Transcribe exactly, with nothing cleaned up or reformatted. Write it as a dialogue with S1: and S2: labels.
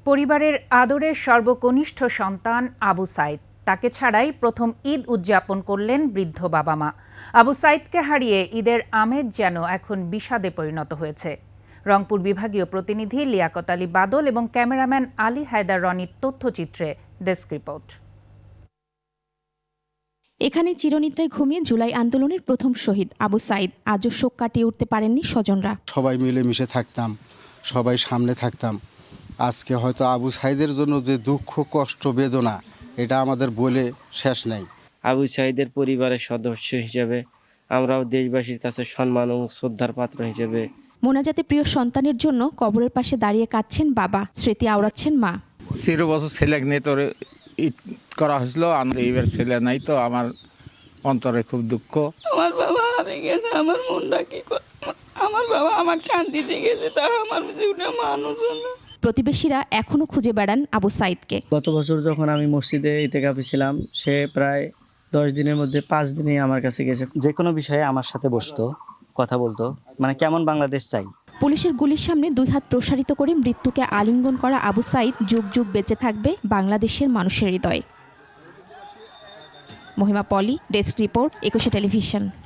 S1: পরিবারের আদরের সর্বকনিষ্ঠ সন্তান আবু সাইদ, তাকে ছাড়াই প্রথম ঈদ উদযাপন করলেন বৃদ্ধ বাবা মা। আবু সাইদকে হারিয়ে ঈদের আমেজ যেন এখন বিষাদে পরিণত হয়েছে। রংপুর বিভাগীয় প্রতিনিধি লিয়াকত আলী বাদল এবং ক্যামেরাম্যান আলী হায়দার রনির তথ্যচিত্রে ডেস্ক রিপোর্ট।
S2: এখানে চিরনিদ্রায় ঘুমিয়ে জুলাই আন্দোলনের প্রথম শহীদ আবু সাইদ আজও শোক কাটিয়ে উঠতে পারেননি স্বজনরা।
S3: সবাই মিলেমিশে থাকতাম, সবাই সামনে থাকতাম। আজকে হয়তো আবু সাইদের জন্য যে দুঃখ, কষ্ট, বেদনা, এটা আমাদের বলে শেষ নাই।
S4: আবু সাইদের পরিবারের সদস্য হিসেবে আমরাও দেশবাসীর কাছে সম্মান ও শ্রদ্ধার পাত্র হিসেবে
S2: মোনাজাতে প্রিয় সন্তানের জন্য কবরের পাশে দাঁড়িয়ে কাঁদছেন বাবা, স্মৃতি আওড়াচ্ছেন মা।
S5: চির বছর ছেলে নিয়ে তোর ঈদ করা হয়েছিল, এইবার ছেলে নাই তো আমার অন্তরে খুব দুঃখ।
S6: আমার বাবা হারিয়ে গেছে, আমার মনটা কি করে, আমার বাবা আমার শান্তিতে গেছে, তা আমার জীবনে মানুষ না।
S2: প্রতিবেশীরা এখনো খুঁজে বেড়ান আবু সাইদকে।
S7: গত বছর যখন আমি মসজিদে ইতিকাফে ছিলাম, সে প্রায় দশ দিনের মধ্যে পাঁচ দিনেই আমার কাছে গেছে।
S8: যে কোনো বিষয়ে আমার সাথে বসতো, কথা বলতো, মানে কেমন বাংলাদেশ চাই।
S2: পুলিশের গুলির সামনে দুই হাত প্রসারিত করে মৃত্যুকে আলিঙ্গন করা আবু সাইদ যুগ যুগ বেঁচে থাকবে বাংলাদেশের মানুষের হৃদয়ে। Mahima Poli, desk report, Ekushey television.